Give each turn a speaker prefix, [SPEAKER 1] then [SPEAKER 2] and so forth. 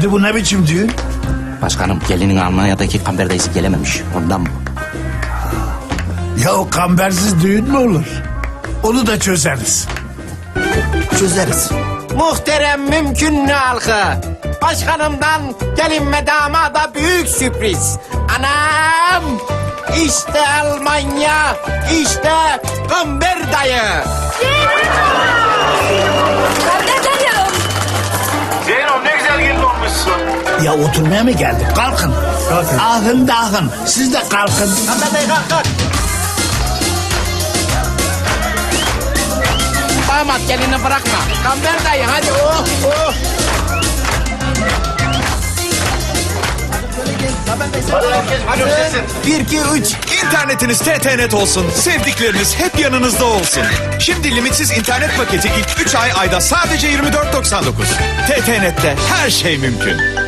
[SPEAKER 1] Şimdi bu ne biçim düğün?
[SPEAKER 2] Başkanım gelinin Almanya'daki kamber dayısı gelememiş. Ondan bu.
[SPEAKER 1] Ya o kambersiz düğün mü olur? Onu da çözeriz.
[SPEAKER 2] Çözeriz.
[SPEAKER 3] Muhterem mümkün halkı. Başkanımdan gelin ve damada büyük sürpriz. Anam! İşte Almanya, işte Kamber dayı.
[SPEAKER 4] Zeyno ne güzel gelin olmuşsun.
[SPEAKER 1] Ya oturmaya mı geldik? Kalkın. Ahın dahın. Siz de kalkın.
[SPEAKER 3] Kamber dayı kalk kalk. Damat gelini bırakma. Kamber dayı hadi oh oh.
[SPEAKER 4] Hadi öpüşesin.
[SPEAKER 3] 1, 2, 3.
[SPEAKER 5] İnternetiniz TTNet olsun, sevdikleriniz hep yanınızda olsun. Şimdi limitsiz internet paketi ilk 3 ay ayda sadece 24.99. TTNet'te her şey mümkün.